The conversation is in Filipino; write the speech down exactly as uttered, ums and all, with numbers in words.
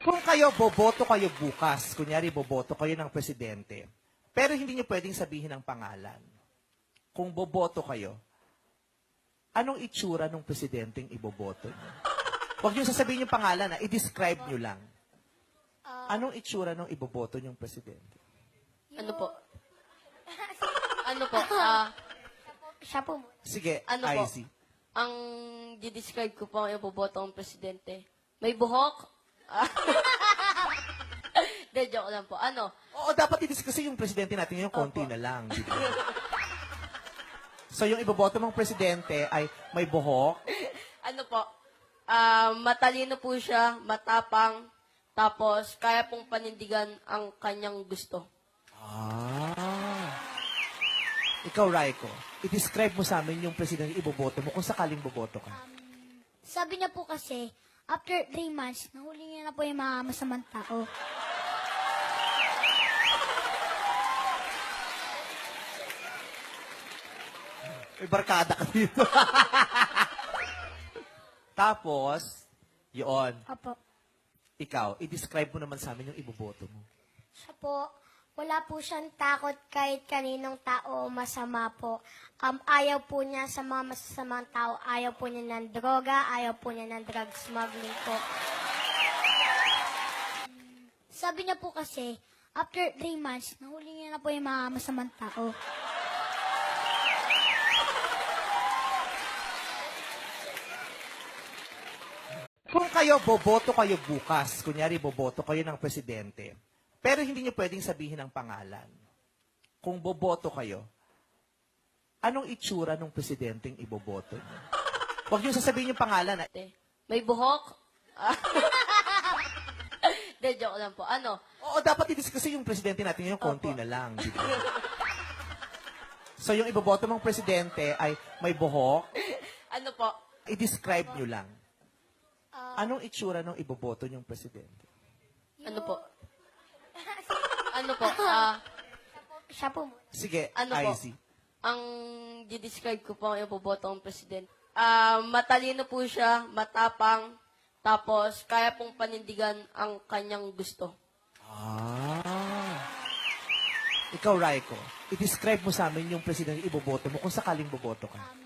Kung kayo, boboto kayo bukas, kunyari boboto kayo ng presidente, pero hindi nyo pwedeng sabihin ang pangalan. Kung boboto kayo, anong itsura ng presidenteng iboboto nyo? Huwag nyo sasabihin yung pangalan, ha? I-describe nyo lang. Anong itsura ng iboboto nyong presidente? Ano po? Ano po? Ah, Siya po. Sige, Ano po? I C. ang di-describe ko po ang iboboto ng presidente. May buhok? Ah. De, joke lang po. Ano? Oo, dapat i-discuss kasi yung presidente natin ngayon, konti Opo. na lang. Di ba? So, yung iboboto mong presidente ay may buhok, Ano po? Ah, matalino po siya, matapang, tapos kaya pong panindigan ang kanyang gusto. Ah. Ikaw, Raiko, i-describe mo sa amin yung presidente iboboto mo kung sakaling boboto ka. Sabi niya po kasi, after three months, nahuli niya na po yung mga masamang tao. May barkada ka dito. Tapos, yun, Opo. ikaw, i-describe mo naman sa amin yung iboboto mo. Siya po, wala po siyang takot kahit kaninong tao o masama po. Um, ayaw po niya sa mga masasamang tao. Ayaw po niya ng droga. Ayaw po niya ng drug smuggling po. Sabi niya po kasi, after three months, nahuli niya na po yung mga masamang tao. Kung kayo, boboto kayo bukas, kunyari boboto kayo ng presidente, pero hindi nyo pwedeng sabihin ang pangalan. Kung boboto kayo, anong itsura ng presidenteng iboboto nyo? Huwag nyo sasabihin yung pangalan. Ha? De, may buhok? Ah. De, joke lang po. Ano? Oo, dapat i-discuss kasi yung presidente natin ngayon, konti Opo. na lang. Di ba? So, yung iboboto mong presidente ay may buhok, Ano po? i-describe nyo lang. Anong itsura ng iboboto nyong presidente? Ano po? Ano po? Ah, Siya po. Sige, Ano po? I C. ang di-describe ko po ang iboboto ng presidente. Ah, matalino po siya, matapang, tapos kaya pong panindigan ang kanyang gusto. Ah. Ikaw, Raiko, i-describe mo sa amin yung presidente iboboto mo kung sakaling boboto ka.